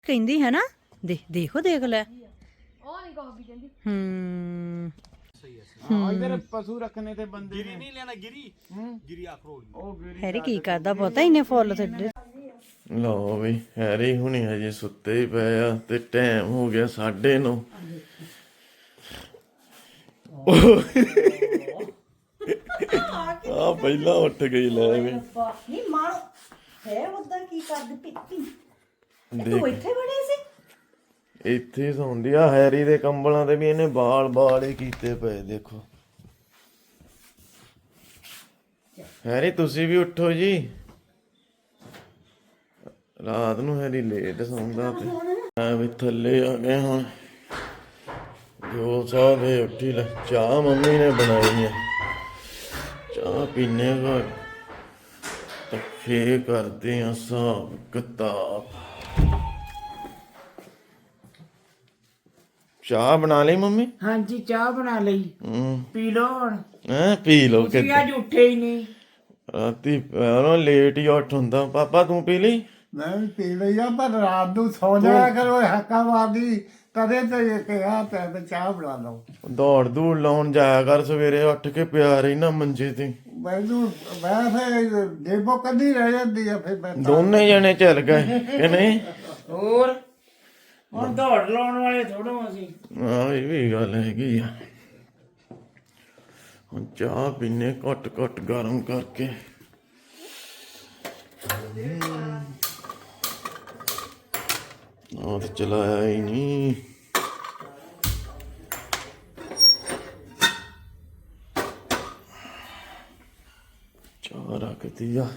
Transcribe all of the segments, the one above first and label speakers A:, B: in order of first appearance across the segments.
A: ਕਹਿੰਦੀ ਹੈ ਨਾ ਦੇਖੋ ਦੇਖ ਲੈ
B: ਉਹ ਨਹੀਂ ਕਾਫੀ ਕਹਿੰਦੀ
C: ਇਧਰ ਪਸ਼ੂ ਰੱਖਣੇ ਤੇ ਬੰਦੇ
D: गिरी नहीं लेना गिरी गिरी अखरोट
C: ਉਹ ਗਿਰੀ
A: ਹੈਰੀ ਕੀ ਕਰਦਾ ਪਤਾ ਇਹਨੇ ਫੁੱਲ ਛੱਡੇ
E: ਲਓ ਵੀ ਹੈਰੀ ਹੁਣੀ ਹਜੇ ਸੁੱਤੇ ਹੀ ਪਏ ਆ ਤੇ ਟਾਈਮ ਹੋ ਗਿਆ 9:30 ਆ ਪਹਿਲਾਂ ਉੱਠ ਗਈ ਲੈ ਵੀ
A: ਨਹੀਂ ਮਾਰ ਹੈ ਉਦਾਂ ਕੀ ਕਰਦੀ ਪਿੱਤੀ
E: ਦੇਖ
A: ਤੂੰ ਇੱਥੇ ਬੜੇ ਸੀ
E: ਇੱਥੇ ਹੀ ਸੌਂਦੀ ਆ ਹੈਰੀ ਦੇ ਕੰਬਲਾਂ ਤੇ ਵੀ ਇਹਨੇ ਬਾਲ ਹੀ ਕੀਤੇ ਪਏ ਦੇਖੋ ਹੈਰੀ ਤੁਸੀਂ ਵੀ ਉੱਠੋ ਜੀ ਰਾਤ ਨੂੰ ਹੈਰੀ ਲੇਟ ਸੌਂਦਾ ਤੇ ਆ ਵੀ ਥੱਲੇ ਆ ਗਏ ਹੁਣ ਜੋ ਸਾਹਿਬ ਉੱਠੀ ਲੈ ਚਾਹ ਮੰਮੀ ਨੇ ਬਣਾਈ ਹੈ ਚਾਹ ਪੀਣੇ ਬਾਅਦ ਤਾਂ ਫੇਰ ਕਰਦੇ ਆ ਹਿਸਾਬ ਕਿਤਾਬ ਚਾਹ ਬਣਾ ਲਈ ਮੰਮੀ
C: ਹਾਂਜੀ ਚਾਹ ਬਣਾ ਲਈ ਪੀ ਲੋ ਹੁਣ
E: ਪੀ ਲਓ
C: ਤੁਸੀਂ ਅੱਜ ਉੱਠੇ ਹੀ ਨਹੀਂ
E: ਰਾਤੀ ਉਹਨਾਂ ਲੇਟ ਹੀ ਉੱਠ ਹੁੰਦਾ ਪਾਪਾ ਤੂੰ ਪੀ ਲਈ
F: ਮੈਂ ਵੀ ਪੀ ਲਈ ਆ ਪਰ ਰਾਤ ਨੂੰ ਸੌ ਜਾਇਆ ਕਰੋ ਹੱਕਾ ਮਾਰਦੀ ਕਦੇ ਤੇ ਇਹ ਕਿਹਾ ਤੇ ਚਾਹ ਬਣਾ ਲਓ
E: ਦੌੜ ਦੂੜ ਲਾਉਣ ਜਾਇਆ ਕਰ ਸਵੇਰੇ ਉੱਠ ਕੇ ਪਿਆ ਰਹੀ ਨਾ ਮੰਜੇ ਤੇ
F: ਮੈਨੂੰ ਮੈਂ ਫਿਰ ਦੇਬੋ ਕੱਢੀ ਰਹਿ ਜਾਂਦੀ ਆ ਫਿਰ ਮੈਂ
E: ਦੋਨੇ ਜਣੇ ਚੱਲ ਗਏ ਕਿ ਨਹੀਂ
C: ਹੋਰ ਹੁਣ ਦੌੜ ਲਾਉਣ ਵਾਲੇ ਥੋੜੋ ਅਸੀਂ
E: ਆਹ ਇਹ ਵੀ ਗੱਲ ਹੈਗੀ ਆ ਹੁਣ ਚਾਹ ਪੀਨੇ ਘੁੱਟ ਘੁੱਟ ਗਰਮ ਕਰਕੇ ਉਹ ਤੇ ਚਲਾਇਆ ਹੀ ਨਹੀਂ ਚਾਹ ਰੱਖਦੀ ਆ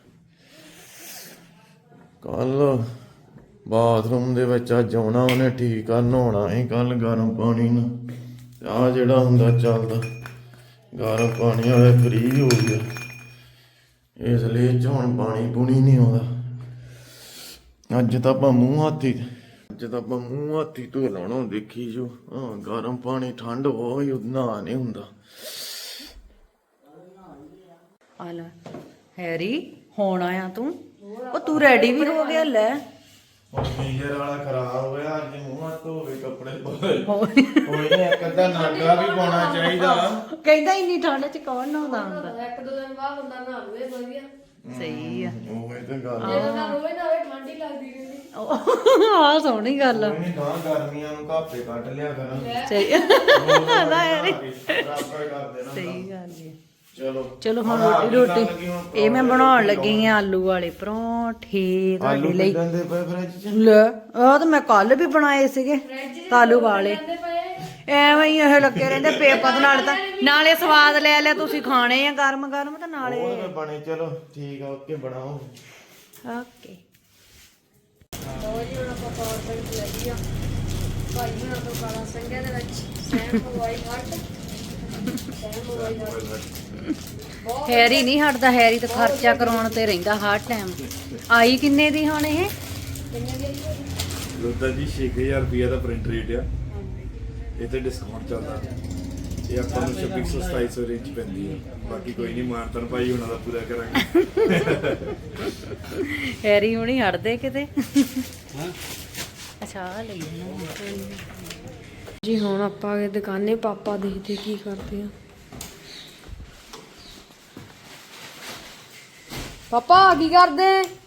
E: ਕੱਲ ਬਾਥਰੂਮ ਦੇ ਵਿੱਚ ਅੱਜ ਆਉਣਾ ਉਹਨੇ ਠੀਕ ਆ ਨਹਾਉਣਾ ਹੀ ਕੱਲ ਗਰਮ ਪਾਣੀ ਨਾਲ ਆ ਜਿਹੜਾ ਹੁੰਦਾ ਚੱਲਦਾ ਗਰਮ ਪਾਣੀ ਵਾਲੇ ਫਰੀ ਹੋ ਗਿਆ ਇਸ ਲਈ ਇਹ 'ਚ ਹੁਣ ਪਾਣੀ ਪੂਣੀ ਨਹੀਂ ਆਉਂਦਾ ਅੱਜ ਤਾਂ ਆਪਾਂ ਮੂੰਹ ਹੱਥੀ ਧੋ ਲਾਉਣਾ ਦੇਖੀ ਜੋ ਹਾਂ ਗਰਮ ਪਾਣੀ ਠੰਡ ਹੋਈ ਨਹਾ ਨਹੀਂ ਹੁੰਦਾ
A: ਆ ਲੈ ਹੈਰੀ ਹੁਣ ਆਇਆ ਤੂੰ ਉਹ ਤੂੰ ਰੈਡੀ ਵੀ ਹੋ ਗਿਆ ਲੈ
E: ਹੁਣ ਗੀਜ਼ਰ ਵਾਲਾ ਖਰਾਬ ਹੋਇਆ ਅੱਜ ਮੂੰਹ ਹੱਥ ਧੋਵੇ ਕੱਪੜੇ ਕੋਈ ਨਹੀਂ ਇੱਕ ਅੱਧਾ ਨਾਗਾ ਵੀ ਪਾਉਣਾ ਚਾਹੀਦਾ
A: ਕਹਿੰਦਾ ਇੰਨੀ ਠੰਡ ਚ ਕੌਣ ਨਹਾਉਂਦਾ ਹੁੰਦਾ
B: ਇੱਕ ਦੋ ਦਿਨ ਬਾਅਦ ਬੰਦਾ ਨਹਾ ਲਵੇ ਵਧੀਆ
A: ਸਹੀ ਆ
E: ਉਹ ਇਹ ਤੇ ਗੱਲ
B: ਜਦੋਂ ਨਾ ਰੋਵੇ ਨਾ ਹੋਵੇ ਠੰਡੀ ਲੱਗਦੀ ਰਹਿੰਦੀ
A: ਆਹ ਸੋਹਣੀ ਗੱਲ ਆ
E: ਕੋਈ ਨਹੀਂ ਗਾਂ ਗਰਮੀਆਂ ਨੂੰ ਘਾਪੇ ਕੱਢ ਲਿਆ ਕਰਾਂ
A: ਸਹੀ ਨਾ ਯਾਰੀ
E: ਬਰਾਬਰ ਕਰ ਦੇਣਾ
A: ਸਹੀ ਗੱਲ ਜੀ
E: ਚਲੋ
A: ਹੁਣ ਰੋਟੀ ਇਹ ਮੈਂ ਬਣਾਉਣ ਲੱਗੀ ਆ ਆਲੂ ਵਾਲੇ ਪਰੌਂਠੇ ਤੁਹਾਡੇ ਲਈ
E: ਗੰਦੇ ਪਏ ਫਰਿੱਜ 'ਚ
A: ਲੈ ਆਹ ਤਾਂ ਮੈਂ ਕੱਲ ਵੀ ਬਣਾਏ ਸੀਗੇ ਆਲੂ ਵਾਲੇ ਐਵੇਂ ਹੀ ਇਹ ਲੱਗੇ ਰਹਿੰਦੇ ਪੇਪਰ ਨਾਲ ਤਾਂ ਨਾਲੇ ਸਵਾਦ ਲੈ ਲਿਆ ਤੁਸੀਂ ਖਾਣੇ ਆ ਗਰਮ ਗਰਮ ਤਾਂ ਨਾਲੇ
E: ਉਹ ਬਣੇ ਚਲੋ ਠੀਕ ਆ ਓਕੇ ਬਣਾਓ
A: ਓਕੇ
B: ਲੋ ਜੀ ਹੁਣ ਆਪਾਂ ਪਾਵਰ ਬੈਂਕ ਲੈ ਲਿਆ ਭਾਈ ਹੁਣਾਂ ਤੋਂ ਕਾਲਾ ਸੰਘਿਆ ਦੇ ਵਿੱਚ Sam mobile hut Sam mobile hut
A: Harry ਨਹੀਂ ਹਟਦਾ ਹੈਰੀ ਤਾਂ ਖਰਚਾ ਕਰਾਉਣ ਤੇ ਰਹਿੰਦਾ ਹਰ ਟਾਈਮ ਆਈ ਕਿੰਨੇ ਦੀ ਹੁਣ ਇਹ
D: ਲੋਤਾ ਜੀ 6000 ਰੁਪਏ ਦਾ ਪ੍ਰਿੰਟ ਰੇਟ ਆ ਇਹ ਤੇ ਡਿਸਕਾਊਂਟ ਚੱਲਦਾ ਇਹ ਆਪਾਂ ਨੂੰ ਸ਼ਿਪਿੰਗ 2700 ਰੇਂਜ ਪੈਂਦੀ ਹੈ ਬਾਕੀ ਕੋਈ ਨਹੀਂ ਮਾਨਤਨ ਭਾਈ ਉਹਨਾਂ ਦਾ ਪੂਰਾ ਕਰਾਂਗੇ
A: ਹੈਰੀ ਹੁਣੀ ਹਟਦੇ ਕਿਤੇ ਅੱਛਾ ਆ ਲਈ
B: ਜੀ ਹੁਣ ਆਪਾਂ ਇਹ ਦੁਕਾਨੇ ਪਾਪਾ ਦੇਖਦੇ ਕੀ ਕਰਦੇ ਆ ਪਾਪਾ ਕੀ ਕਰਦੇ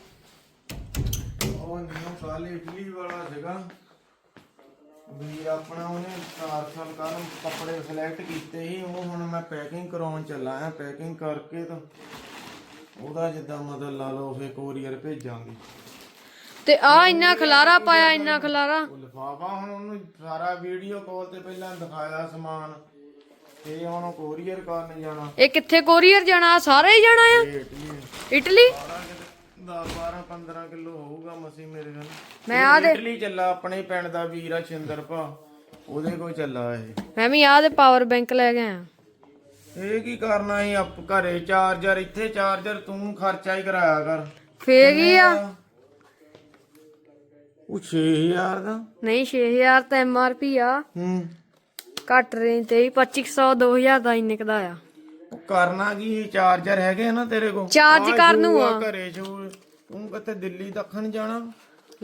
E: ਉਹ ਨਿਊ ਕੱਲ ਇਟਲੀ ਵਾਲਾ ਸੀਗਾ ਵੀ ਆਪਣਾ ਉਹਨੇ ਪਾਰਸਲ ਕਰਨ ਕੱਪੜੇ ਸਿਲੈਕਟ ਕੀਤੇ ਸੀ ਉਹ ਹੁਣ ਮੈਂ ਪੈਕਿੰਗ ਕਰਾਉਣ ਚੱਲਾ ਆ ਪੈਕਿੰਗ ਕਰਕੇ ਤਾਂ ਉਹਦਾ ਜਿੱਦਾਂ ਮਤਲਬ ਲਾ ਲਓ ਫੇ ਕੋਰੀਅਰ ਭੇਜਾਂਗੇ
B: ਤੇ ਆ ਇੰਨਾ ਖਲਾਰਾ ਪਾਇਆ ਇੰਨਾ ਖਲਾਰਾ
E: ਉਹ ਲਿਫਾਫਾ ਹੁਣ ਉਹਨੂੰ ਸਾਰਾ ਵੀਡੀਓ ਕਾਲ ਤੇ ਪਹਿਲਾਂ ਦਿਖਾਇਆ ਸਮਾਨ ਤੇ ਹੁਣ ਕੋਰੀਅਰ ਕਰਨ ਜਾਣਾ
B: ਇਹ ਕਿੱਥੇ ਕੋਰੀਅਰ ਜਾਣਾ ਸਾਰਾ ਹੀ ਜਾਣਾ ਆ
E: ਇਟਲੀ
B: ਇਟਲੀ
E: 10 12 15 ਕਿਲੋ ਹੋਊਗਾ ਮਸੀ ਮੇਰੇ ਨਾਲ
B: ਮੈਂ ਆ ਦੇ
E: ਇਟਲੀ ਚੱਲਾ ਆਪਣੇ ਪਿੰਡ ਦਾ ਵੀਰ ਆ ਸ਼ਿੰਦਰ ਭਾ ਉਹਦੇ ਕੋਲ ਚੱਲਾ ਇਹ
B: ਮੈਂ ਵੀ ਆ ਦੇ ਪਾਵਰ ਬੈਂਕ ਲੈ ਕੇ ਆਇਆ
E: ਇਹ ਕੀ ਕਰਨਾ ਸੀ ਆਪ ਘਰੇ ਚਾਰਜਰ ਇੱਥੇ ਚਾਰਜਰ ਤੂੰ ਖਰਚਾ ਹੀ ਕਰਾਇਆ ਕਰ
B: ਫੇਰ ਕੀ ਆ
E: ਉਹ 6000 ਦਾ
B: ਨਹੀਂ 6000 ਤਾਂ MRP ਆ ਘੱਟ ਰੇਂਜ ਤੇ 2500 2000 ਦਾ ਇੰਨੇ ਕਦਾ ਆ
E: ਉਹ ਕਰਨਾ ਕੀ ਚਾਰਜਰ ਹੈਗੇ ਨਾ ਤੇਰੇ ਕੋਲ
B: ਚਾਰਜ ਕਰਨ ਨੂੰ ਆ
E: ਘਰੇ ਤੂੰ ਕਿਤੇ ਦਿੱਲੀ ਦੱਖਣ ਜਾਣਾ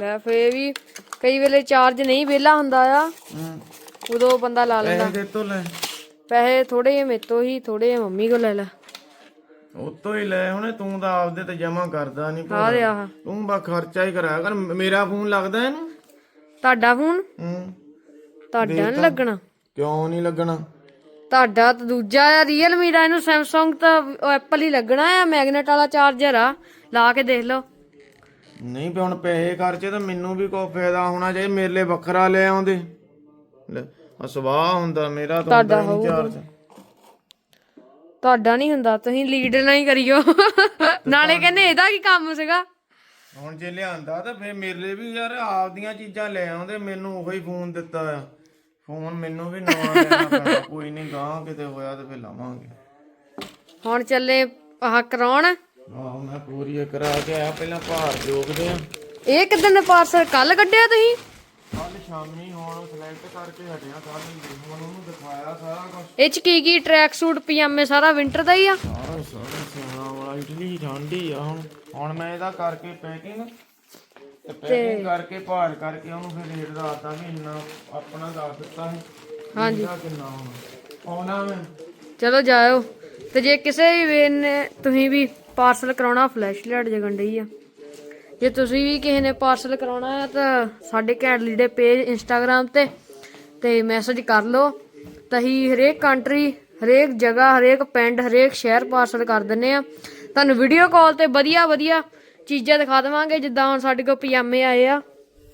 B: ਲੈ ਫੇ ਵੀ ਕਈ ਵੇਲੇ ਚਾਰਜ ਨਹੀਂ ਵਿਹਲਾ ਹੁੰਦਾ ਆ ਉਦੋਂ ਬੰਦਾ ਲਾ ਲੈਂਦਾ।
E: ਪੈਸੇ ਤੋਂ ਲੈ
B: ਪੈਸੇ ਥੋੜੇ ਜਿਹੇ ਮੇਰੇ ਤੋਂ ਹੀ ਥੋੜੇ ਜਿਹੇ ਮੰਮੀ ਕੋਲ ਲੈ ਲੈ।
E: ਉਤੋਂ ਹੀ ਲੈ ਹੁਣੇ, ਤੂੰ ਤਾਂ ਆਪਦੇ ਤੇ ਜਮਾ ਕਰਦਾ ਨਹੀਂ
B: ਆ ਦੇ ਆਹ
E: ਤੂੰ ਬਾ ਖਰਚਾ ਹੀ ਕਰਾਇਆ ਕਰ। ਮੇਰਾ ਫੋਨ ਲੱਗਦਾ ਇਹਨੂੰ?
B: ਤੁਹਾਡਾ ਫੋਨ ਤੁਹਾਡਾ ਨਹੀਂ ਲੱਗਣਾ।
E: ਕਿਉਂ ਨਹੀਂ ਲੱਗਣਾ?
B: ਤੁਹਾਡਾ ਤਾਂ ਦੂਜਾ ਆ ਰੀਅਲਮੀ ਦਾ, ਇਹਨੂੰ ਸੈਮਸੰਗ ਤਾਂ ਐਪਲ ਹੀ ਲੱਗਣਾ ਆ। ਮੈਗਨੇਟ ਵਾਲਾ ਚਾਰਜਰ ਆ, ਲਾ ਕੇ ਦੇਖ ਲਓ।
E: ਨਹੀਂ ਵੀ ਹੁਣ ਪੈਸੇ ਖਰਚੇ ਤਾਂ ਮੈਨੂੰ ਵੀ ਕੋਈ ਫਾਇਦਾ ਹੋਣਾ ਚਾਹੀਦਾ। ਮੇਰੇ ਲਈ ਵੱਖਰਾ ਲੈ ਆਉਂਦੇ। ਲੈ ਸਵਾਹ ਹੁੰਦਾ ਮੇਰਾ ਤਾਂ ਹੁੰਦਾ ਨਹੀਂ ਚਾਰਜ।
B: ਤੁਹਾਡਾ ਨਹੀਂ ਹੁੰਦਾ, ਤੁਸੀਂ ਲੀਡ ਨਾ ਹੀ ਕਰਿਓ। ਨਾਲੇ ਕਹਿੰਦੇ ਇਹਦਾ ਕੀ ਕੰਮ ਸੀਗਾ।
E: ਹੁਣ ਜੇ ਲਿਆਂਦਾ ਤਾਂ ਫੇਰ ਮੇਰੇ ਲਈ ਵੀ ਯਾਰ ਆਪਦੀਆਂ ਚੀਜ਼ਾਂ ਲੈ ਆਉਂਦੇ। ਮੈਨੂੰ ਉਹੀ ਫੋਨ ਦਿੱਤਾ ਆ। ਫੋਨ ਮੈਨੂੰ ਵੀ ਨਵਾਂ ਲੈਣਾ ਪੈਣਾ। ਕੋਈ ਨਹੀਂ, ਗਾਂ ਕਿਤੇ ਹੋਇਆ ਤੇ ਫੇਰ ਲਾਵਾਂਗੇ।
B: ਹੁਣ ਚੱਲੇ ਆਹ ਕਰਾਉਣ।
E: ਆਹੋ ਮੈਂ ਪੂਰੀ ਕਰਾ ਕੇ ਆਇਆ। ਪਹਿਲਾਂ ਭਾਰ ਜੋਗਦੇ ਆ।
B: ਇਹ ਕਿਦਨ ਪਾਰਸਲ ਕੱਲ ਕੱਢਿਆ ਤੁਸੀਂ?
E: ਕੱਲ ਸ਼ਾਮੀ ਹੁਣ ਸਿਲੈਕਟ ਕਰਕੇ ਹਟਿਆ। ਕੱਲ ਹੁਣ ਉਹਨੂੰ ਦਿਖਾਇਆ ਸਾਰਾ ਕੁਝ।
B: ਇਹ ਚ ਕੀ ਟਰੈਕ ਸੂਟ ਪਜਾਮੇ ਸਾਰਾ ਵਿੰਟਰ ਦਾ ਹੀ ਆ।
E: ਸਾਰਾ ਸਿਆਣਾ ਵਾਲਾ ਇਟਲੀ ਠੰਡੀ ਆ। ਹੁਣ ਮੈਂ ਇਹਦਾ ਕਰਕੇ ਪੈਕਿੰਗ ਤੇ ਪੈਕਿੰਗ ਕਰਕੇ ਭਾਰ ਕਰਕੇ ਉਹਨੂੰ ਫਿਰ ਰੇਟ ਦੱਸਦਾ ਵੀ ਇੰਨਾ ਆਪਣਾ ਦੱਸ ਦਿੱਤਾ ਹੈ।
B: ਹਾਂਜੀ
E: ਕਿੰਨਾ ਆਉਣਾ ਮੈਂ।
B: ਚਲੋ ਜਾਇਓ। ਤੇ ਜੇ ਕਿਸੇ ਵੀ ਵੇ ਨੇ ਤੁਸੀਂ ਵੀ ਪਾਰਸਲ ਕਰਾਉਣਾ, ਫਲੈਸ਼ ਲਾਈਟ ਜਗਣ ਡਈ ਆ। ਜੇ ਤੁਸੀਂ ਵੀ ਕਿਸੇ ਨੇ ਪਾਰਸਲ ਕਰਾਉਣਾ ਆ ਤਾਂ ਸਾਡੇ ਘੈਂਟ ਲੀੜੇ ਪੇਜ ਇੰਸਟਾਗ੍ਰਾਮ ਤੇ ਮੈਸੇਜ ਕਰ ਲਓ। ਤਾਂ ਅਸੀਂ ਹਰੇਕ ਕੰਟਰੀ, ਹਰੇਕ ਜਗ੍ਹਾ, ਹਰੇਕ ਪਿੰਡ, ਹਰੇਕ ਸ਼ਹਿਰ ਪਾਰਸਲ ਕਰ ਦਿੰਨੇ ਆ। ਤੁਹਾਨੂੰ ਵੀਡੀਓ ਕਾਲ ਤੇ ਵਧੀਆ ਵਧੀਆ ਚੀਜ਼ਾਂ ਦਿਖਾ ਦੇਵਾਂਗੇ। ਜਿੱਦਾਂ ਹੁਣ ਸਾਡੇ ਕੋਲ ਪਜਾਮੇ ਆਏ ਆ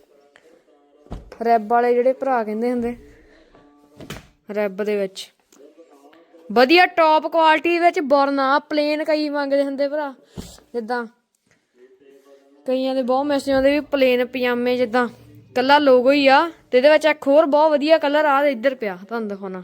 B: ਰੈਬ ਵਾਲੇ, ਜਿਹੜੇ ਭਰਾ ਕਹਿੰਦੇ ਹੁੰਦੇ ਰੈਬ ਦੇ ਵਿੱਚ ਵਧੀਆ ਟੌਪ ਕੁਆਲਿਟੀ ਵਿੱਚ ਬੋਰਨਾ ਪਲੇਨ ਕਈ ਮੰਗਦੇ ਹੁੰਦੇ ਭਰਾ। ਜਿੱਦਾਂ ਕਈਆਂ ਦੇ ਬਹੁਤ ਮੈਸੇਜ ਆਉਂਦੇ ਵੀ ਪਲੇਨ ਪਜਾਮੇ, ਜਿੱਦਾਂ ਕੱਲਾ ਲੋਗੋ ਹੀ ਆ ਤੇ ਇਹਦੇ ਵਿੱਚ ਇੱਕ ਹੋਰ ਬਹੁਤ ਵਧੀਆ ਕਲਰ ਆ ਇੱਧਰ ਪਿਆ, ਤੁਹਾਨੂੰ ਦਿਖਾਉਣਾ।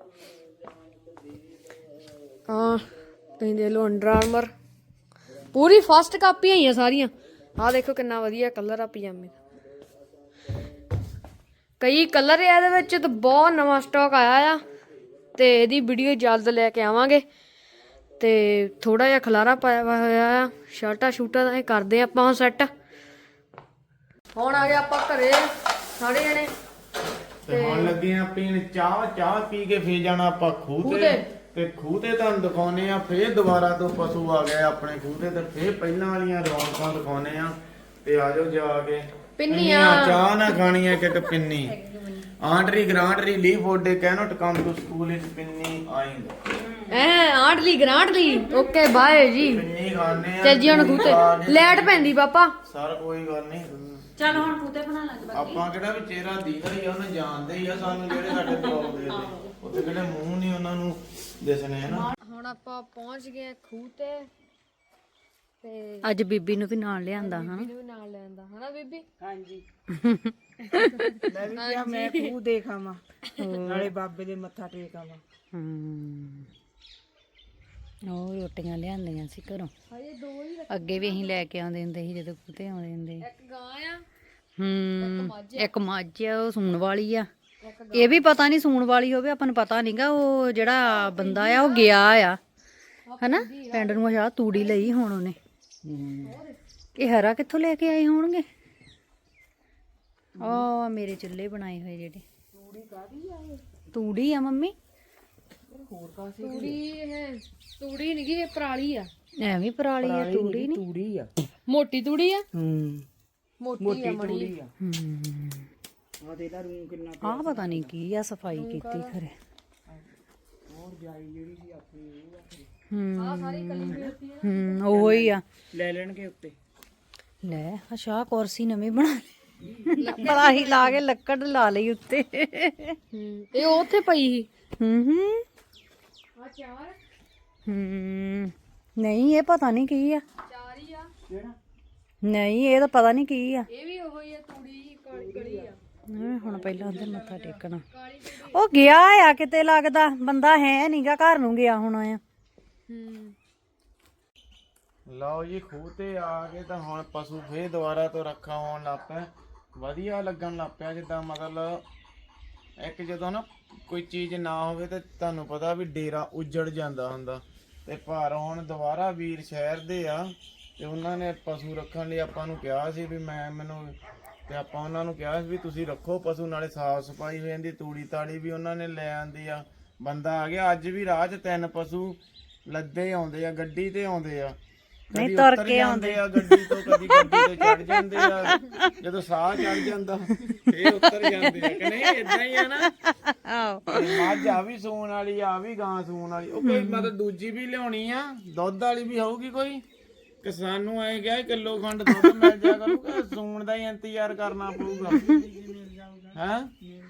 B: ਤੁਸੀਂ ਦੇਖ ਲਓ ਅੰਡਰ ਆਰਮਰ ਪੂਰੀ ਫਸਟ ਕਾਪੀ ਆਈਆਂ ਸਾਰੀਆਂ। ਆਹ ਦੇਖੋ ਕਿੰਨਾ ਵਧੀਆ ਕਲਰ ਆ ਪਜਾਮੇ ਦਾ। ਕਈ ਕਲਰ ਆ ਇਹਦੇ ਵਿੱਚ, ਤਾਂ ਬਹੁਤ ਨਵਾਂ ਸਟਾਕ ਆਇਆ ਆ ਤੇ ਇਹਦੀ ਵੀਡੀਓ ਜਲਦ ਲੈ ਕੇ ਆਵਾਂਗੇ। ਤੇ ਥੋੜਾ ਜਿਹਾ ਖਲਾਰਾ ਪਾਇਆ ਹੋਇਆ ਆ, ਸ਼ਰਟਾਂ ਸ਼ੂਟਾਂ ਦਾ ਕਰਦੇ ਆਪਾਂ ਹੁਣ ਸੈੱਟ। ਹੁਣ ਆ ਗਏ ਆਪਾਂ ਘਰੇ ਸਾਰੇ ਜਣੇ
E: ਤੇ ਹੁਣ ਲੱਗੇ ਆ ਪੀਣ ਚਾਹ ਪੀ ਕੇ ਫੇਰ ਜਾਣਾ ਆਪਾਂ ਖੂਹ ਤੇ ਖੂਹ ਤੇ ਤੁਹਾਨੂੰ ਦਿਖਾਉਨੇ ਆ। ਫੇਰ ਦੁਬਾਰਾ ਤੋਂ ਪਸ਼ੂ ਆ ਗਏ ਆਪਣੇ ਖੂਹ ਤੇ ਫੇਰ ਪਹਿਲਾਂ ਵਾਲੀਆਂ ਰੌਣਕਾਂ ਦਿਖਾਉਨੇ ਆ। ਤੇ ਆਜੋ ਜਾ ਕੇ
B: ਪਿੰਨੀਆਂ
E: ਚਾਹ ਨਾ ਖਾਣੀ ਆ ਕਿ ਪਿੰਨੀ। ਆਂਟਰੀ ਗ੍ਰਾਂਟਰੀ ਲੀ ਫੋਡੇ cannot come to school is ਪਿੰਨੀ ਆਇੰਗ।
B: ਆਂਟਲੀ ਗ੍ਰਾਂਟਲੀ ਓਕੇ ਬਾਏ ਜੀ।
E: ਪਿੰਨੀ ਖਾਣੇ ਆ।
B: ਚੱਲ ਜੀ ਹੁਣ ਖੂਤੇ ਲੈਟ ਪੈਂਦੀ ਪਾਪਾ।
E: ਸਰ ਕੋਈ ਗੱਲ ਨਹੀਂ।
A: ਚੱਲ ਹੁਣ ਖੂਤੇ ਬਣਾ ਲਾਂਗੇ।
E: ਆਪਾਂ ਕਿਹੜਾ ਵੀ ਚਿਹਰਾ ਦੀਦਾ ਹੀ ਆ, ਉਹਨੇ ਜਾਣਦੇ ਹੀ ਆ ਸਾਨੂੰ। ਜਿਹੜੇ ਸਾਡੇ ਬਲੌਗ ਦੇ ਉੱਤੇ ਕਿਹੜੇ ਮੂੰਹ ਨਹੀਂ ਉਹਨਾਂ ਨੂੰ ਦਿਸਣੇ ਹਨਾ।
B: ਹੁਣ ਆਪਾਂ ਪਹੁੰਚ ਗਏ ਖੂਹ ਤੇ
A: ਅੱਜ ਬੀਬੀ ਨੂੰ ਵੀ ਨਾਲ ਲਿਆਂਦਾ ਹਾਂ।
B: ਇਹਨੂੰ ਵੀ ਨਾਲ ਲੈਂਦਾ ਹਨਾ ਬੀਬੀ।
C: ਹਾਂਜੀ ਮੈਂ ਵੀ ਕਿਹਾ ਮੈਂ ਖੂਹ ਦੇਖ ਆਵਾਂ, ਨਾਲੇ ਬਾਬੇ ਦੇ ਮੱਥਾ ਟੇਕ ਆਵਾਂ।
A: ਉਹ ਰੋਟੀਆਂ ਲਿਆਂਦੀਆਂ ਸੀ ਘਰੋਂ।
B: ਹਜੇ ਦੋ ਹੀ
A: ਅੱਗੇ ਵੀ ਅਸੀਂ ਲੈ ਕੇ ਆਉਂਦੇ ਹੁੰਦੇ ਸੀ ਜਦੋਂ ਖੂਤੇ ਆਉਂਦੇ ਹੁੰਦੇ ਸੀ।
B: ਇੱਕ ਗਾਂ ਆ
A: ਇੱਕ ਮੱਝ ਆ, ਉਹ ਸੂਣ ਵਾਲੀ ਆ। ਇਹ ਵੀ ਪਤਾ ਨਹੀਂ ਸੂਣ ਵਾਲੀ ਹੋਵੇ, ਆਪਾਂ ਨੂੰ ਪਤਾ ਨਹੀਂਗਾ। ਉਹ ਜਿਹੜਾ ਬੰਦਾ ਆ ਉਹ ਗਿਆ ਆ ਹਨਾ ਪਿੰਡ ਨੂੰ। ਅੱਛਾ ਤੂੜੀ ਲਈ ਹੁਣ ਉਹਨੇ। ਇਹ ਹਰਾ ਕਿੱਥੋਂ ਲੈ ਕੇ ਆਏ ਹੋਣਗੇ? ਆ ਮੇਰੇ ਚੁੱਲ੍ਹੇ ਬਣਾਏ ਹੋਏ ਜਿਹੜੇ। ਤੂੜੀ ਆ ਮੰਮੀ।
B: ਤੂੜੀ ਨੀ ਗੀ, ਇਹ ਪਰਾਲੀ ਆ।
A: ਐਵੇਂ ਪਰਾਲੀ ਆ, ਤੂੜੀ ਨਹੀਂ।
C: ਤੂੜੀ ਆ।
B: ਮੋਟੀ ਤੂੜੀ ਆ।
C: ਮੋਟੀ ਤੂੜੀ ਆ। ਆ ਦੇ ਲਾ ਰੂਮ ਕਿੰਨਾ।
A: ਆ ਪਤਾ ਨਹੀਂ ਕੀ ਆ, ਸਫਾਈ ਕੀਤੀ ਖਰੇ। ਉਹ ਹੀ ਆ।
C: ਲੈ ਲੈਣਗੇ ਉੱਤੇ।
A: ਲੈ ਅੱਛਾ ਕੁਰਸੀ ਨਵੀਂ ਬਣਾ ਲਈ। ਪਲਾਹੀ ਲਾ ਕੇ ਲੱਕੜ ਲਾ ਲਈ ਉੱਤੇ।
B: ਇਹ ਉੱਥੇ ਪਈ ਸੀ।
A: ਨਹੀਂ ਇਹ ਪਤਾ ਨਹੀਂ ਕੀ ਆ।
B: ਚਾਰ ਹੀ ਆ।
A: ਨਹੀਂ ਇਹ ਤਾਂ ਪਤਾ ਨਹੀਂ ਕੀ ਆ।
B: ਇਹ ਵੀ ਉਹੋ ਹੀ ਆ, ਤੂੜੀ ਕਲੀ ਆ।
A: ਹੁਣ ਪਹਿਲਾਂ ਉਹਦੇ ਮੱਥਾ ਟੇਕਣਾ। ਉਹ ਗਿਆ ਆ ਕਿਤੇ, ਲੱਗਦਾ ਬੰਦਾ ਹੈ ਨੀਗਾ, ਘਰ ਨੂੰ ਗਿਆ ਹੋਣਾ ਆ।
E: ਲਓ ਜੀ ਖੂਹ ਤੇ ਆ ਗਏ ਤਾਂ ਹੁਣ ਪਸ਼ੂ ਫੇਰ ਦੁਬਾਰਾ ਤੋਂ ਰੱਖਾ ਹੋਣ ਲੱਗ ਪਿਆ। ਵਧੀਆ ਲੱਗਣ ਲੱਗ ਪਿਆ। ਜਿੱਦਾਂ ਮਤਲਬ ਇੱਕ ਜਦੋਂ ਨਾ ਕੋਈ ਚੀਜ਼ ਨਾ ਹੋਵੇ ਤੇ ਤੁਹਾਨੂੰ ਪਤਾ ਵੀ ਡੇਰਾ ਉੱਜੜ ਜਾਂਦਾ ਹੁੰਦਾ। ਤੇ ਪਰ ਹੁਣ ਦੁਬਾਰਾ ਵੀਰ ਸ਼ਹਿਰ ਦੇ ਆ ਤੇ ਉਹਨਾਂ ਨੇ ਪਸ਼ੂ ਰੱਖਣ ਲਈ ਆਪਾਂ ਨੂੰ ਕਿਹਾ ਸੀ ਵੀ ਮੈਨੂੰ ਤੇ ਆਪਾਂ ਉਹਨਾਂ ਨੂੰ ਕਿਹਾ ਸੀ ਵੀ ਤੁਸੀਂ ਰੱਖੋ ਪਸ਼ੂ, ਨਾਲੇ ਸਾਫ ਸਫਾਈ ਹੋ ਜਾਂਦੀ, ਤੂੜੀ ਤਾੜੀ ਵੀ ਉਹਨਾਂ ਨੇ ਲੈ ਆਂਦੀ ਆ। ਬੰਦਾ ਆ ਗਿਆ ਅੱਜ ਵੀ ਰਾਹ 'ਚ 3 ਪਸ਼ੂ ਲੱਦੇ ਆਉਂਦੇ ਆ, ਗੱਡੀ ਤੇ ਆਉਂਦੇ ਆ, ਕਦੀ ਉਤਰ ਜਾਂਦੇ ਆ ਗੱਡੀ ਤੋਂ, ਕਦੀ ਗੱਡੀ ਤੇ ਚੜ ਜਾਂਦੇ ਆ, ਜਦੋਂ ਸਾਹ ਚੜ ਜਾਂਦਾ ਫੇਰ ਉਤਰ ਜਾਂਦੇ ਆ ਕਿ ਨਹੀਂ, ਇਦਾਂ ਹੀ ਆ ਨਾ। ਮੱਝ ਆ ਵੀ ਸੂਣ ਵਾਲੀ ਆ ਵੀ ਗਾਂ ਸੂਣ ਵਾਲੀ, ਉਹ ਕੋਈ ਮਤਲਬ ਦੂਜੀ ਵੀ ਲਿਆਉਣੀ ਆ, ਦੁੱਧ ਵਾਲੀ ਵੀ ਹੋਊਗੀ ਕੋਈ ਕਿ ਸਾਨੂੰ ਐ ਗਿਆ ਕਿਲੋ ਖੰਡ ਦੁੱਧ ਮਿਲ ਜਾ ਕਰੂਗਾ, ਸੂਣ ਦਾ ਹੀ ਇੰਤਜ਼ਾਰ ਕਰਨਾ ਪਊਗਾ ਹੈ।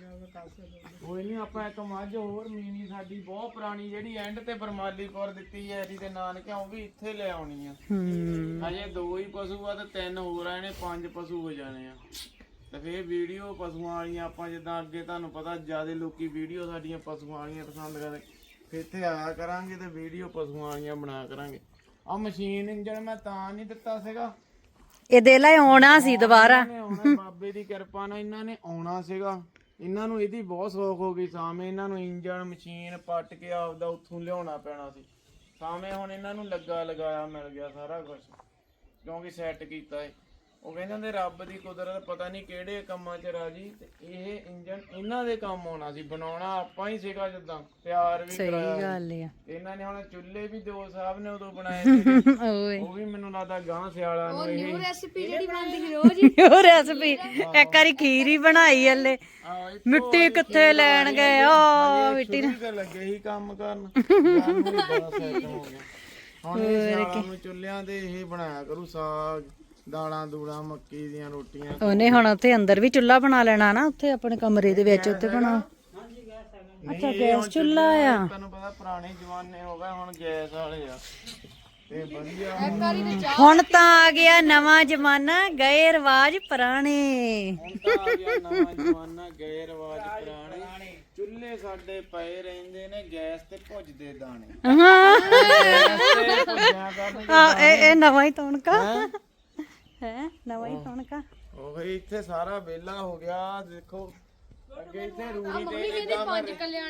E: ਕੋਈ ਨਹੀਂ, ਆਪਾਂ ਇੱਕ ਮੱਝ ਹੋਰ ਮੀਨੀ ਸਾਡੀ ਬਹੁਤ ਪੁਰਾਣੀ ਜਿਹੜੀ ਐਂਡ ਤੇ ਬਰਮਾਲੀਪੁਰ ਦਿੱਤੀ ਹੈ ਇਹਦੀ ਤੇ ਨਾਨਕਿਆਂ, ਉਹ ਵੀ ਇੱਥੇ ਲੈ ਆਉਣੀ ਆ। ਹਜੇ 2 ਹੀ ਪਸ਼ੂ ਆ ਤੇ 3 ਹੋਰ ਆਏ ਨੇ, 5 ਪਸ਼ੂ ਹੋ ਜਾਣੇ ਆ। ਤੇ ਫੇਰ ਵੀਡੀਓ ਪਸ਼ੂਆਂ ਵਾਲੀਆਂ ਆਪਾਂ ਜਿੱਦਾਂ ਅੱਗੇ ਤੁਹਾਨੂੰ ਪਤਾ ਜਿਆਦਾ ਲੋਕੀ ਵੀਡੀਓ ਸਾਡੀਆਂ ਪਸ਼ੂਆਂ ਵਾਲੀਆਂ ਪਸੰਦ ਕਰਦੇ, ਫੇਰ ਇੱਥੇ ਆਇਆ ਕਰਾਂਗੇ ਤੇ ਵੀਡੀਓ ਪਸ਼ੂਆਂ ਵਾਲੀਆਂ ਬਣਾ ਕਰਾਂਗੇ। ਆ ਮਸ਼ੀਨ ਇੰਜਣ ਮੈਂ ਤਾਂ ਨਹੀਂ ਦਿੱਤਾ ਸੀਗਾ,
A: ਇਹ ਦੇ ਲੈ ਆਉਣਾ ਸੀ ਦੁਬਾਰਾ,
E: ਆਉਣਾ ਬਾਬੇ ਦੀ ਕਿਰਪਾ ਨਾਲ ਇਹਨਾਂ ਨੇ ਆਉਣਾ ਸੀਗਾ। ਇਹਨਾਂ ਨੂੰ ਇਹਦੀ ਬਹੁਤ ਸੌਖ ਹੋ ਗਈ ਸਾਵੇਂ, ਇਹਨਾਂ ਨੂੰ ਇੰਜਣ ਮਸ਼ੀਨ ਪੱਟ ਕੇ ਆਪਦਾ ਉੱਥੋਂ ਲਿਆਉਣਾ ਪੈਣਾ ਸੀ ਸਾਵੇਂ। ਹੁਣ ਇਹਨਾਂ ਨੂੰ ਲੱਗਾ ਲਗਾਇਆ ਮਿਲ ਗਿਆ ਸਾਰਾ ਕੁਝ, ਕਿਉਂਕਿ ਸੈੱਟ ਕੀਤਾ ਏ। ਉਹ ਕਹਿੰਦੇ ਹੁੰਦੇ ਰੱਬ ਦੀ ਕੁਦਰਤ ਪਤਾ ਨਹੀਂ ਕਿਹੜੇ ਕੰਮਾਂ 'ਚ ਰਾਜੀ, ਤੇ ਇਹ ਇੰਜਣ ਇਹਨਾਂ ਦੇ ਕੰਮ ਆਉਣਾ ਸੀ, ਬਣਾਉਣਾ ਆਪਾਂ ਹੀ ਸੀਗਾ, ਜਿੱਦਾਂ ਤਿਆਰ ਵੀ ਕਰਾਇਆ।
A: ਸਹੀ ਗੱਲ ਆ।
E: ਇਹਨਾਂ ਨੇ ਹੁਣ ਚੁੱਲ੍ਹੇ ਵੀ ਦੋ ਸਾਹਿਬ ਨੇ ਉਦੋਂ ਬਣਾਏ ਸੀਗੇ,
A: ਓਏ
E: ਉਹ ਵੀ ਮੈਨੂੰ ਲੱਗਦਾ ਗਾਂ ਸਿਆਲਾਂ ਨੂੰ ਇਹ
B: ਰੈਸਿਪੀ ਜਿਹੜੀ ਬਣਦੀ ਸੀ ਰੋਜ਼
A: ਉਹ ਰੈਸਪੀ ਇੱਕ ਵਾਰੀ ਖੀਰ ਹੀ ਬਣਾਈ ਹਲੇ, ਮਿੱਟੀ ਕਿੱਥੇ ਲੈਣ ਗਏ ਆ ਮਿੱਟੀ
E: ਸ਼ੁਰੂ ਤੇ ਲੱਗੇ ਹੀ ਕੰਮ ਕਰਨ, ਸਾਨੂੰ ਵੀ ਬੜਾ ਸੈੱਟ ਹੋ ਗਿਆ। ਹੁਣ ਇਹ ਸਿਆਲਾਂ ਨੂੰ ਚੁੱਲ੍ਹਿਆਂ ਤੇ ਇਹ ਬਣਾਇਆ ਕਰੂ ਸਾਗ, ਦਾਲਾਂ ਦੂਲਾਂ, ਮੱਕੀ ਦੀਆਂ ਰੋਟੀਆਂ।
A: ਉਹਨੇ ਹੁਣ ਉੱਥੇ ਅੰਦਰ ਵੀ ਚੁੱਲ੍ਹਾ ਬਣਾ ਲੈਣਾ ਨਾ, ਉੱਥੇ ਆਪਣੇ ਕਮਰੇ ਦੇ ਵਿੱਚ ਉੱਥੇ ਬਣਾ। ਅੱਛਾ ਗੈਸ ਚੁੱਲ੍ਹਾ ਆ,
E: ਤੁਹਾਨੂੰ ਪਤਾ ਪੁਰਾਣੇ ਜ਼ਮਾਨੇ ਹੋ ਗਏ, ਹੁਣ ਗੈਸ ਵਾਲੇ ਆ ਤੇ ਵਧੀਆ।
A: ਹੁਣ ਤਾਂ ਆ ਗਿਆ ਨਵਾਂ ਜ਼ਮਾਨਾ, ਗਏ ਰਿਵਾਜ ਪੁਰਾਣੇ।
E: ਹੁਣ ਤਾਂ ਆ ਗਿਆ ਨਵਾਂ ਜ਼ਮਾਨਾ, ਗਏ ਰਿਵਾਜ ਪੁਰਾਣੇ। ਚੁੱਲ੍ਹੇ ਸਾਡੇ ਪਏ ਰਹਿੰਦੇ ਨੇ ਗੈਸ ਤੇ ਭੁੱਜਦੇ ਦਾਣੇ।
A: ਹਾਂ
E: ਤੇ ਭੁੱਜਿਆ ਕਰਨਗੇ
A: ਇਹ ਨਵਾਂ ਹੀ ਤਣਕਾ ਹੈ, ਨਵਾਂ ਹੀ ਤਣਕਾ।
E: ਉਹ ਇੱਥੇ ਸਾਰਾ ਵਿਹਲਾ ਹੋ ਗਿਆ। ਦੇਖੋ ਅੱਗੇ ਇੱਥੇ ਰੂੜੀ ਤੇ ਇਦਾਂ ਰੇੜੀ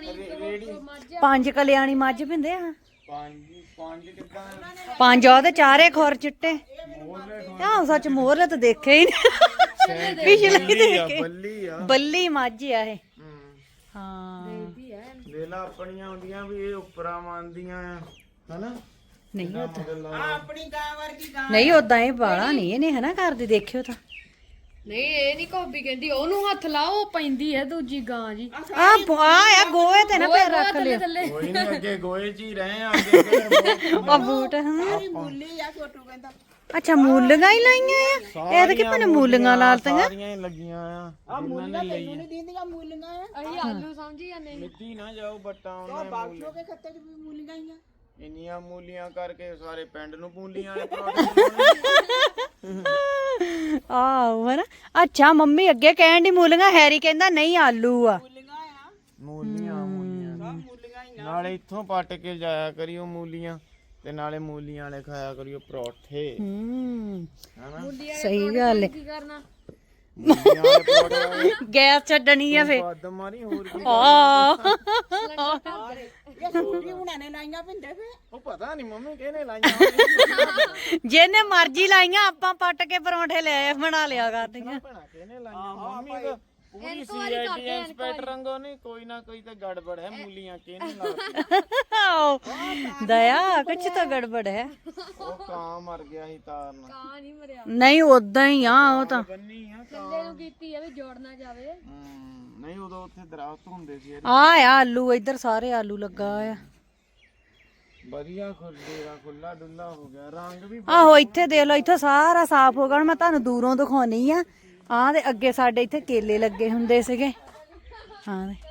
A: 5 ਕਲਿਆਣੀ ਮੱਝ ਪਿੰਦੇ ਆ,
E: ਪੰਜ ਕਿੱਦਾਂ
A: 5 ਉਹਦੇ 4 ਖੋਰ ਚਿੱਟੇ। ਆਹ ਸੱਚ ਮੋਹਰੇ ਤਾਂ ਦੇਖੇ ਹੀ ਨਹੀਂ, ਪਿਛਲੇ ਦੇਖੇ।
E: ਬੱਲੀ ਆ,
A: ਬੱਲੀ ਮੱਝ ਆ ਇਹ। ਹਾਂ
E: ਵੇਲਾ ਆਪਣੀਆਂ ਹੁੰਦੀਆਂ ਵੀ ਇਹ ਉੱਪਰਾਂ ਮੰਨਦੀਆਂ ਆ ਹਨਾ।
A: ਨਹੀਂ ਉਦਾਂ,
C: ਆਪਣੀ ਗਾਂ ਵਰਗੀ ਗਾਂ
A: ਨਹੀਂ ਉਦਾਂ ਇਹ ਬਾਲਾ ਨਹੀਂ ਇਹਨੇ ਹਨਾ ਕਰਦੇ, ਦੇਖਿਓ ਤਾਂ।
B: ਨਹੀਂ ਇਹ ਨਹੀਂ ਕੋਬੀ ਕਹਿੰਦੀ ਉਹਨੂੰ ਹੱਥ ਲਾਓ, ਉਹ ਪੈਂਦੀ ਹੈ ਦੂਜੀ ਗਾਂ ਜੀ।
A: ਆ ਗੋਏ ਤੇ ਨਾ ਪੈਰ ਰੱਖ ਲਿਓ,
E: ਕੋਈ ਨਹੀਂ ਅੱਗੇ ਗੋਏ ਚ ਹੀ ਰਹੇ ਆ, ਅੱਗੇ ਕਿਹੜੇ
A: ਆ ਬੂਟ। ਹਾਂ
C: ਮੁੱਲੀ ਆ ਛੋਟੂ ਕਹਿੰਦਾ।
A: ਅੱਛਾ ਮੂਲੀਆਂ ਹੀ ਲਾਈਆਂ ਆ, ਇਹ ਤਾਂ ਕਿ ਭਨੇ ਮੂਲੀਆਂ ਲਾਲਤੀਆਂ।
E: ਸਾਰੀਆਂ ਹੀ ਲੱਗੀਆਂ ਆ ਜਿਨ੍ਹਾਂ ਨੇ ਲਈ
C: ਨਹੀਂ ਦੀਦੀਆਂ ਮੂਲੀਆਂ ਆ,
B: ਅਸੀਂ ਆਲੂ ਸਮਝੀ ਜਾਂਦੇ
E: ਮਿੱਟੀ ਨਾ ਜਾਓ ਬੱਟਾ ਉਹਨਾਂ
C: ਬਾਕਸੋ ਕੇ ਖੱਤੇ 'ਚ ਵੀ ਮੂਲੀਆਂ ਹੀ ਆ।
E: ਇੰਨੀਆਂ ਮੂਲੀਆਂ ਕਰਕੇ ਸਾਰੇ ਪਿੰਡ ਨੂੰ ਮੂਲੀਆਂ ਵਾਲੇ ਪਰੌਂਠੇ
A: ਆਹੋ ਹਨਾ। ਅੱਛਾ ਮੰਮੀ ਅੱਗੇ ਕਹਿਣ ਦੀ ਮੂਲੀਆਂ, ਹੈਰੀ ਕਹਿੰਦਾ ਨਹੀਂ ਆਲੂ ਆ।
E: ਮੂਲੀਆਂ ਨਾਲੇ ਇੱਥੋਂ ਪੱਟ ਕੇ ਜਾਇਆ ਕਰਿਓ ਮੂਲੀਆਂ, ਤੇ ਨਾਲੇ ਮੂਲੀਆਂ ਵਾਲੇ ਖਾਇਆ ਕਰਿਓ ਪਰੌਠੇ। ਹਨਾ
A: ਸਹੀ ਗੱਲ ਹੈ।
B: ਕੀ ਕਰਨਾ
E: ਮੂਲੀਆਂ ਵਾਲੇ ਪਰੌਠੇ
A: ਗੈਸ ਛੱਡਣੀ ਆ ਫੇ।
E: ਵੱਧ ਮਾਰੀ ਹੋਰ ਕੀ
C: ਇਹ ਸੂਰੀ ਹੁਣਾਂ ਨੇ ਲਾਈਆਂ ਪਿੰਡੇ ਫੇ।
E: ਉਹ ਪਤਾ ਨਹੀਂ ਮੰਮੀ ਕਿਹਨੇ ਲਾਈਆਂ
A: ਜਿਹਨੇ ਮਰਜ਼ੀ ਲਾਈਆਂ, ਆਪਾਂ ਪੱਟ ਕੇ ਪਰੌਂਠੇ ਲੈ ਬਣਾ ਲਿਆ ਕਰਦੀਆਂ।
E: ਭੈਣਾ ਕਿਹਨੇ ਲਾਈਆਂ ਮੰਮੀ ਤਾਂ ਪੂਰੀ ਸੀਆਈਡੀ ਇੰਸਪੈਕਟਰ ਰੰਗੋ ਨਹੀਂ, ਕੋਈ ਨਾ ਕੋਈ ਤਾਂ ਗੜਬੜ ਹੈ। ਮੂਲੀਆਂ ਕਿਹਨੇ ਲਾਤੀ?
A: ਦਇਆ ਕੁਛ ਤਾਂ ਗੜਬੜ ਹੈ।
E: ਉਹ ਕਾਂ ਮਰ ਗਿਆ ਸੀ ਤਾਰ ਨਾਲ।
B: ਕਾਂ ਨਹੀਂ ਮਰਿਆ,
A: ਨਹੀਂ ਉਦਾਂ ਹੀ ਆ ਉਹ ਤਾਂ।
E: ਬੰਨੀ ਆ
B: ਥੱਲੇ ਨੂੰ ਕੀਤੀ ਆ ਵੀ ਜੋੜ ਨਾ ਜਾਵੇ।
E: ਨਹੀਂ ਉਦੋਂ ਉੱਥੇ ਦਰਖਤ ਹੁੰਦੇ ਸੀ
A: ਆ ਆਲੂ, ਇੱਧਰ ਸਾਰੇ ਆਲੂ ਲੱਗਾ ਆ।
E: ਵਧੀਆ ਖੁੱਲਾ ਡੁੱਲਾ ਹੋ ਗਿਆ, ਰੰਗ ਵੀ
A: ਆਹੋ ਇੱਥੇ ਦੇਖ ਲਓ, ਇੱਥੇ ਸਾਰਾ ਸਾਫ਼ ਹੋ ਗਿਆ। ਹੁਣ ਮੈਂ ਤੁਹਾਨੂੰ ਦੂਰੋਂ ਦਿਖਾਉਣੀ ਆ। ਆਹ ਦੇ ਅੱਗੇ ਸਾਡੇ ਇੱਥੇ ਕੇਲੇ ਲੱਗੇ ਹੁੰਦੇ ਸੀਗੇ। ਹਾਂ ਦੇ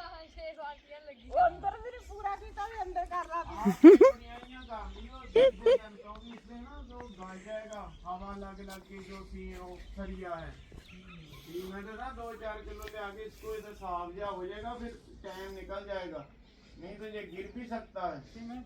C: ਅੰਦਰ ਵੀ ਨੀ ਪੂਰਾ ਕੀਤਾ ਵੀ ਅੰਦਰ ਕਰ ਲਾ।
E: हवा लग के जो थी वो सरिया है, मैं तो ना 2-4 किलो ले आके इसको इधर साफ जा हो जाएगा, फिर टाइम निकल जाएगा, नहीं तो ये गिर भी सकता है।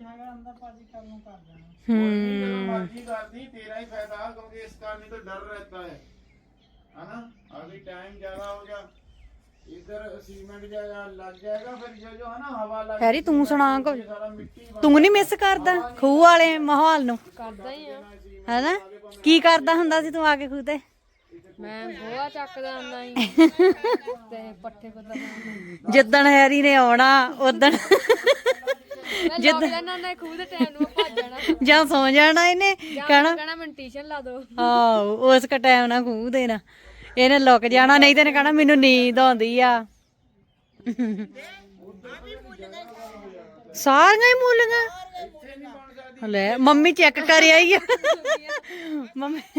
E: मर्जी करती तेरा ही फायदा, क्योंकि इसका नहीं तो डर रहता है ना। अभी टाइम ज्यादा हो गया, इधर सीमेंट जाएगा लग जाएगा, फिर जो है ना हवा लग
A: ਹੈਰੀ ਤੂੰ ਸੁਣਾ ਕੁਝ,
E: सारा मिट्टी
A: ਤੂੰ ਨਹੀਂ ਮਿਸ ਕਰਦਾ ਖੂਹ ਵਾਲੇ ਮਾਹੌਲ ਨੂੰ?
B: ਕਰਦਾ ਹੀ ਆ।
A: ਹੈਨਾ ਕੀ ਕਰਦਾ ਹੁੰਦਾ ਸੀ ਤੂੰ ਆ ਕੇ ਖੂਹ ਤੇ?
B: ਮੈਂ ਗੋਹਾ ਚੱਕਦਾ ਹੁੰਦਾ ਹੀ ਤੇ ਪੱਠੇ ਕੁੱਤਦਾ
A: ਜਿੱਦਣ ਹੈਰੀ ਨੇ ਆਉਣਾ ਉਦਣ
B: ਮੈਂ ਲੱਗ ਜਾਣਾ ਹੁੰਦਾ ਖੂਹ ਦੇ ਟਾਈਮ ਨੂੰ ਭੱਜ ਜਾਣਾ
A: ਜਾਂ ਸੌ ਜਾਣਾ ਇਹਨੇ ਕਹਿਣਾ
B: ਕਹਿਣਾ ਮੈਨੂੰ ਟਿਊਸ਼ਨ ਲਾ ਦੋ
A: ਆਹੋ ਉਸ ਕ ਟਾਈਮ ਨਾਲ ਖੂਹ ਦੇਣਾ ਇਹਨੇ ਲੁਕ ਜਾਣਾ ਨਹੀਂ ਤੇ ਇਹਨੇ ਕਹਿਣਾ ਮੈਨੂੰ ਨੀਂਦ ਆਉਂਦੀ ਆ ਸਾਰੀਆਂ ਹੀ ਮੂਲੀਆਂ ਲੈ ਮੰਮੀ ਚੈੱਕ ਕਰ ਆਈ ਆ ਮੰਮੀ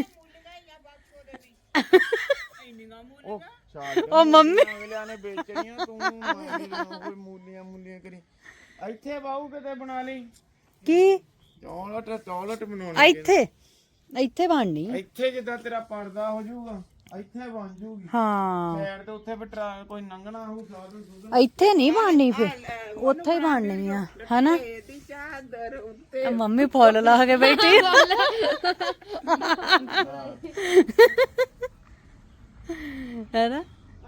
A: ਉਹ ਮੰਮੀ
E: ਅਗਲਿਆਂ ਨੇ ਵੇਚਣੀਆਂ ਤੂੰ ਕੋਈ ਮੂਲੀਆਂ ਕਰੀ ਇੱਥੇ ਬਾਹੂ ਕਿਤੇ ਬਣਾ ਲਈ
A: ਕੀ
E: ਚੌਲਟ ਬਣਾਉਣੀ
A: ਇੱਥੇ ਬਣਨੀ
E: ਇੱਥੇ ਜਿੱਦਾਂ ਤੇਰਾ ਪਰਦਾ ਹੋ ਜਾਊਗਾ ਇੱਥੇ ਬਣ ਜੂਗੀ
A: ਹਾਂ
E: ਸਾਈਡ ਤੇ ਉੱਥੇ ਫਿਰ ਕੋਈ ਲੰਘਣਾ ਹੋਊ ਸਾਧੂ
A: ਇੱਥੇ ਨਹੀਂ ਬਣਨੀ ਫਿਰ ਉੱਥੇ ਹੀ ਬਣਨੀ ਆ ਹਨਾ ਆ ਮੰਮੀ ਫੁੱਲ ਲਾ ਕੇ ਬੈਠੀ ਹੈਨਾ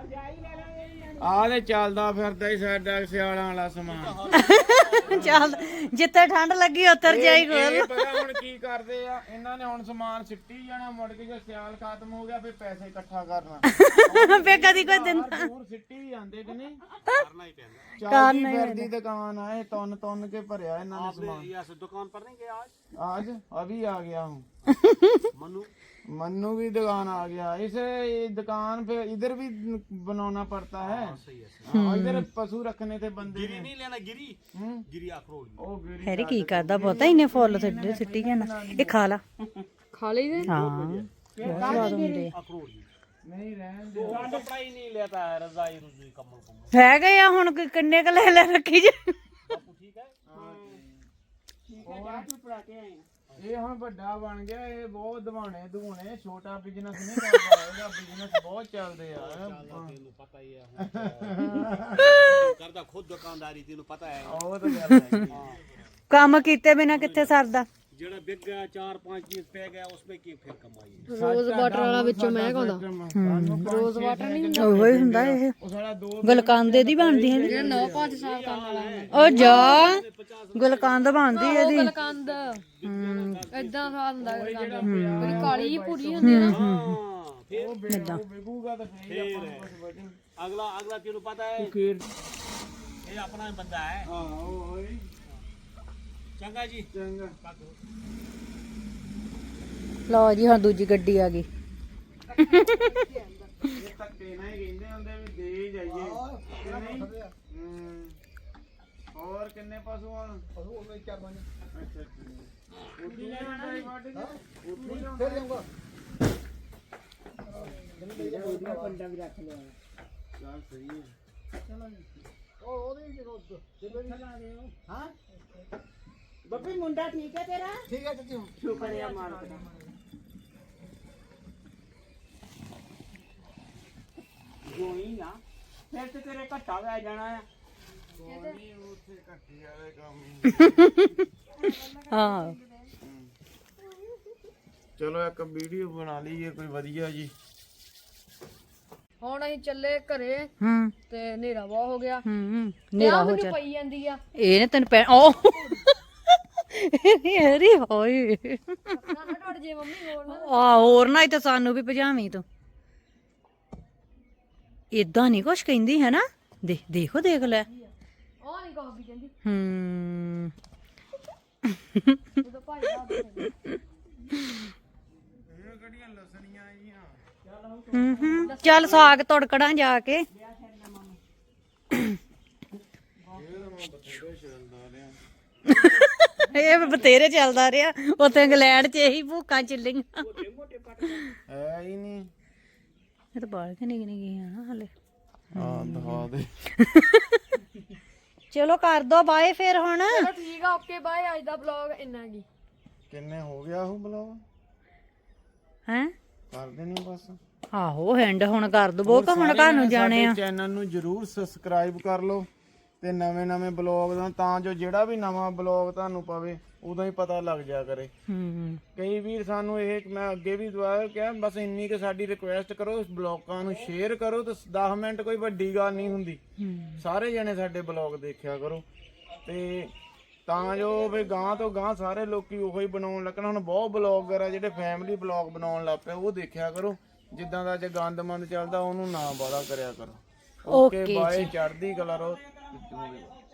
E: ਆਹ ਤੇ ਚੱਲਦਾ ਫਿਰਦਾ ਹੀ ਸਾਡਾ ਸਿਆਲਾਂ ਵਾਲਾ ਸਮਾਨ
A: ਚੱਲ ਜਿੱਥੇ ਠੰਡ ਲੱਗੀ ਉੱਤਰ ਜਾਈ
E: ਇਹ ਪਤਾ ਹੁਣ ਕੀ ਕਰਦੇ ਆ ਇਹਨਾਂ ਨੇ ਹੁਣ ਸਮਾਨ ਸਿੱਟੀ ਜਾਣਾ ਮੁੜ ਕੇ ਜੇ ਸਿਆਲ ਖਤਮ ਹੋ ਗਿਆ ਫਿਰ ਪੈਸੇ ਇਕੱਠਾ ਕਰਨਾ
A: ਫੇ ਕਦੀ ਕੋਈ ਦਿੰਦਾ
E: ਦੂਰ ਸਿੱਟੀ ਜਾਂਦੇ ਕਿ ਨਹੀਂ ਕਰਨਾ ਹੀ ਪੈਂਦਾ ਚੱਲਦੀ ਫਿਰਦੀ ਦੁਕਾਨ ਆ ਇਹ ਤੁੰਨ ਕੇ ਭਰਿਆ ਇਹਨਾਂ ਨੇ ਸਮਾਨ
G: दुकान पर नहीं गया
E: आज अभी आ गया हूँ मन्नू भी दुकान आ गया इसे दुकान पे इधर भी बनाना पड़ता है इधर पशु रखने थे बंदे ने
G: नहीं लेना गिरी गिरी अखरोट
E: ओ गिरी
A: ਹੈਰੀ ਕੀ ਕਰਦਾ ਪਤਾ ਇਹਨੇ ਫੁੱਲ ਸਿੱਟੀ ਜਾਣਾ ਇਹ ਖਾ ਲਾ
B: ਖਾ ਲਈ ਦੇ
A: ਹਾਂ ਬਹੁਤ ਸਵਾਦ ਹੁੰਦੇ ਆ।
G: अखरोट
E: नहीं रहने दे
G: कपड़ा ही नहीं लेता है रजाई रुजाई कम्बल कुम्बल
A: ਹੈਗੇ ਆ ਹੁਣ ਕਿੰਨੇ ਕ ਲੈ ਰੱਖੀ ਜੇ
G: ठीक है
E: ਇਹ ਹੁਣ ਵੱਡਾ ਬਣ ਗਿਆ ਇਹ ਬਹੁਤ ਦਵਾਣੇ ਦੂਣੇ ਛੋਟਾ ਬਿਜ਼ਨਸ ਨਹੀਂ ਕਰਦਾ ਇਹਦਾ ਬਿਜ਼ਨਸ ਬਹੁਤ ਚੱਲਦੇ ਆ
G: तेनू पता ही है करदा खुद दुकानदारी तेनू पता है
E: ਉਹ ਤਾਂ ਗੱਲ ਹੈ
A: ਕੰਮ ਕੀਤੇ ਬਿਨਾ ਕਿੱਥੇ ਸਰਦਾ
G: जेड़ा बिक गया 4-5 चीज पे गया उसमें की फिर कमाई
B: ਰੋਜ਼ ਵਾਟਰ ਵਾਲਾ ਵਿੱਚੋਂ ਮੈਂ ਕਹਿੰਦਾ ਰੋਜ਼ ਵਾਟਰ ਨਹੀਂ
A: ਉਹੋ ਹੀ ਹੁੰਦਾ ਇਹ
E: ਉਹ ਸਾਡਾ ਦੋ
A: ਗੁਲਕੰਦੇ ਦੀ ਬਣਦੀ ਹੈ
B: ਜਿਹੜਾ 9-5 ਸਾਲ ਕਰਨ ਵਾਲਾ
A: ਉਹ ਜਾ ਗੁਲਕੰਦ ਬਣਦੀ ਇਹਦੀ
B: ਗਲਕੰਦ ਏਦਾਂ ਸਾਲ ਹੁੰਦਾ ਗਲਕੰਦ ਬੜੀ ਕਾਲੀ ਜਿਹੀ ਭੂਰੀ ਹੁੰਦੀ ਹੈ ਨਾ
G: फिर
E: ਉਹ ਵਿਕੂਗਾ ਤਾਂ ਫੇਰ ਆਪਾਂ ਨੂੰ ਕੁਝ ਬਚੇ
G: अगला तेनू पता है
E: ਫੇਰ
G: ये अपना बंदा है
E: ਹਾਂ ਉਹ ਓਏ
G: चंगा जी
E: ਚੰਗਾ
A: ਲਓ ਜੀ ਹੁਣ ਦੂਜੀ ਗੱਡੀ ਆ ਗਈ
E: ਇਹ ਧੱਕੇ ਨਾਲ ਹੀ ਕਹਿੰਦੇ ਹੁੰਦੇ ਵੀ ਦੇ ਹੀ ਜਾਈਏ ਕਿ ਨਹੀਂ ਹੋਰ ਕਿੰਨੇ ਪਸ਼ੂ ਹਨ ਪਸ਼ੂ ਉਹਨੇ 4-5 ਅੱਛਾ ਉੱਥੇ ਲੈਣਾ ਹੈ ਵਾਟ ਕੇ ਉੱਥੇ ਫਿਰ ਜਾਊਗਾ ਉਹਦੀਆਂ ਪੰਡਾ ਵੀ ਰੱਖ ਲਿਆ ਚੱਲ ਸਹੀ ਹੈ ਚਲੋ ਉਹ ਉਹਦੇ ਜਦੋਂ ਚਲਾ ਗਏ ਹਾਂ
C: ਬੱਬੀ ਮੁੰਡਾ ਠੀਕ ਹੈ ਤੇਰਾ
E: ਠੀਕ ਹੈ ਤੁਸੀਂ
C: ਸ਼ੁਕਰੀਆ ਮਾਲਕ ਦਾ
G: जोई ना फिर तो तेरे घट्टा लै जाना है
E: ਨਹੀਂ ਉੱਥੇ ਘੱਟੀ ਵਾਲੇ ਕੰਮ
A: ਹਾਂ
E: ਚਲੋ ਇੱਕ ਵੀਡੀਓ ਬਣਾ ਲਈਏ ਕੋਈ ਵਧੀਆ ਜੀ
B: ਹੁਣ ਅਸੀਂ ਚੱਲੇ ਘਰੇ
A: ਹੂੰ
B: ਤੇ ਹਨੇਰਾ ਬਹੁਤ ਹੋ ਗਿਆ
A: ਨੇਰਾ ਹੋ
B: ਮੈਨੂੰ
A: ਚੱਲ
B: ਪਈ ਜਾਂਦੀ ਆ
A: ਇਹਨੇ ਤੈਨੂੰ ਪੈ ਓ ਹੈਰੀ ਹੋਏ
B: ਨਾ ਟੁੱਟ ਜੇ ਮੰਮੀ ਹੋਰ ਨਾ
A: ਆ ਹੋਰ ਨਾ ਹੀ ਤਾਂ ਸਾਨੂੰ ਵੀ ਭਜਾਵੀਂ ਤੂੰ ਇਦਾਂ ਨਹੀਂ ਕੁਛ ਕਹਿੰਦੀ ਹੈ ਨਾ ਦੇਖੋ ਦੇਖ ਲੈ
B: ਉਹ ਨਹੀਂ ਕਹੋ ਵੀ ਕਹਿੰਦੀ
A: ਹੂੰ
B: ਜਦੋਂ ਭਾਈ ਦਾ
E: ਕਿਹੜੀਆਂ ਲਸਣੀਆਂ ਆਈਆਂ
A: ਚੱਲ ਸਾਗ ਤੜਕੜਾਂ ਜਾ ਕੇ ਇਹ ਬਤੇਰੇ ਚੱਲਦਾ ਰਿਹਾ ਉੱਥੇ ਇੰਗਲੈਂਡ 'ਚ ਇਹੀ ਭੂਕਾਂ ਚੱਲੀਆਂ
E: ਹੈ ਹੀ ਨਹੀਂ
A: ਇਹ ਤਾਂ ਬਾਲ ਕੇ ਨਿਕ ਗਈਆਂ ਹਲੇ
E: ਹਾਂ ਦਿਖਾ ਦੇ
A: ਚਲੋ ਕਰ ਦੋ ਬਾਏ ਫਿਰ ਹੁਣ
B: ਚਲੋ ਠੀਕ ਆ ਓਕੇ ਬਾਏ ਅੱਜ ਦਾ ਵਲੌਗ ਇੰਨਾ ਕੀ
E: ਕਿੰਨੇ ਹੋ ਗਿਆ ਉਹ ਬਲੌਗ
A: ਹੈ
E: ਕਰ ਦੇਣੀ ਬਸ
A: ਆਹੋ ਹੈਂਡ ਹੁਣ ਕਰ ਦਵੋ ਕਿ ਹੁਣ ਘਰ ਨੂੰ ਜਾਣੇ ਆ
E: ਚੈਨਲ ਨੂੰ ਜਰੂਰ ਸਬਸਕ੍ਰਾਈਬ ਕਰ ਲਓ ਤੇ ਨਵੇਂ ਬਲੌਗ ਦਾ ਤਾਂ ਜੋ ਜਿਹੜਾ ਵੀ ਨਵਾਂ ਬਲੌਗ ਤੁਹਾਨੂੰ ਪਵੇ ਉਦੋਂ ਹੀ ਪਤਾ ਲੱਗ ਜਾ ਕਰੇ
A: ਹੂੰ
E: ਕਈ ਵੀਰ ਸਾਨੂੰ ਇਹ ਮੈਂ ਅੱਗੇ ਵੀ ਦੁਆ ਕਿਹਾ ਬਸ ਇੰਨੀ ਕਿ ਸਾਡੀ ਰਿਕੁਐਸਟ ਕਰੋ ਇਸ ਬਲੌਗਾਂ ਨੂੰ ਸ਼ੇਅਰ ਕਰੋ ਤੇ 10 ਮਿੰਟ ਕੋਈ ਵੱਡੀ ਗੱਲ ਨਹੀਂ ਹੁੰਦੀ ਸਾਰੇ ਜਣੇ ਸਾਡੇ ਬਲੌਗ ਦੇਖਿਆ ਕਰੋ ਤੇ ਤਾਂ ਜੋ ਵੀ ਗਾਂ ਤੋਂ ਗਾਂ ਸਾਰੇ ਲੋਕੀ ਉਹੋ ਹੀ ਬਣਾਉਣ ਲੱਗਣ ਹੁਣ ਬਹੁਤ ਬਲੌਗਰ ਆ ਜਿਹੜੇ ਫੈਮਿਲੀ ਬਲੌਗ ਬਣਾਉਣ ਲੱਗ ਪਏ ਉਹ ਦੇਖਿਆ ਕਰੋ
C: ਜਿੱਦਾਂ ਦਾ ਅੱਜ ਗੰਦਮੰਦ ਚੱਲਦਾ ਉਹਨੂੰ ਨਾ ਬਾਲਾ ਕਰਿਆ ਕਰੋ।
A: ਓਕੇ
C: ਬਾਏ, ਚੜ੍ਹਦੀ ਕਲਾ ਰਹੋ।